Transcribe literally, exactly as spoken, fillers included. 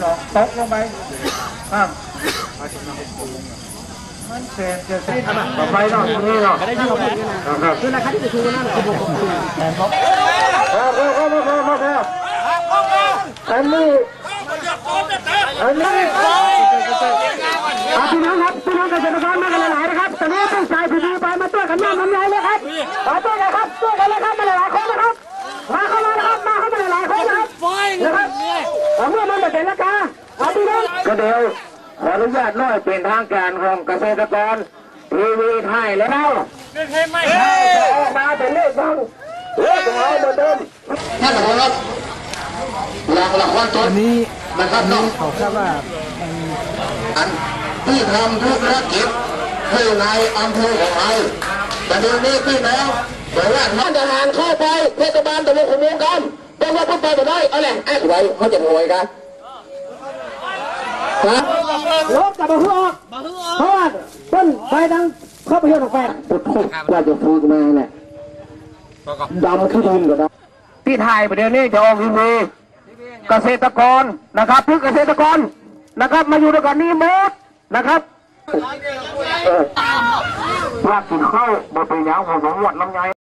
สองตกลงไปข้ามมันเสียนเสียนต่อไปเนาะนี่เนาะได้ยุ่งนะครับคือราคาที่จะถูกนั่นแหละคือผมแทนครับครับครับครับครับอันนี้อันนี้พี่น้องครับพี่น้องเกษตรกรมากันหลายๆนะครับตอนนี้ต้องใส่ผีไปมาตัวกันน้ำน้ำใหญ่เลยครับมาตัวกันครับตัวกันเลยครับมาหลายๆคนนะครับมาเข้ามานะครับมาเข้ามาหลายๆคนนะครับนะครับเมื่อมันเป็นราคาเอาพี่น้องก็เดี๋ยวขออนุญาตน้อยเป็นทางการของเกษตรกรทีวีไทยแล้วออกมาเป็นเลขบ้างเลขของเราเหมือนเดิมท่านผู้ชมหลักหลักวันต้นนี้นะครับน้องเขาทราบว่าอันที่ทำธุรกิจคือในอำเภอของเราแต่เดี๋ยวนี้พี่แล้วเดี๋ยวว่าท่านทหารเข้าไปเทศบาลตะลุขมุงกันต้องว่าพูดไปจะได้อะไรไอ้ไว้เขาจะหวยกันครับรถกับมาฮือออกเพราะว่าต้นไฟดังเข้าไปเยอะออกไปปุดทุกว่าจะฟูกมาเนี่ยดำขึ้นดินก็ได้ที่ไทยประเดี๋ยวนี้จะออกทีวีเกษตรกรนะครับทุกเกษตรกรนะครับมาอยู่ด้วยกันนี้หมดนะครับภาคกินข้าวบนเป็นยาวของสองวัดลำไย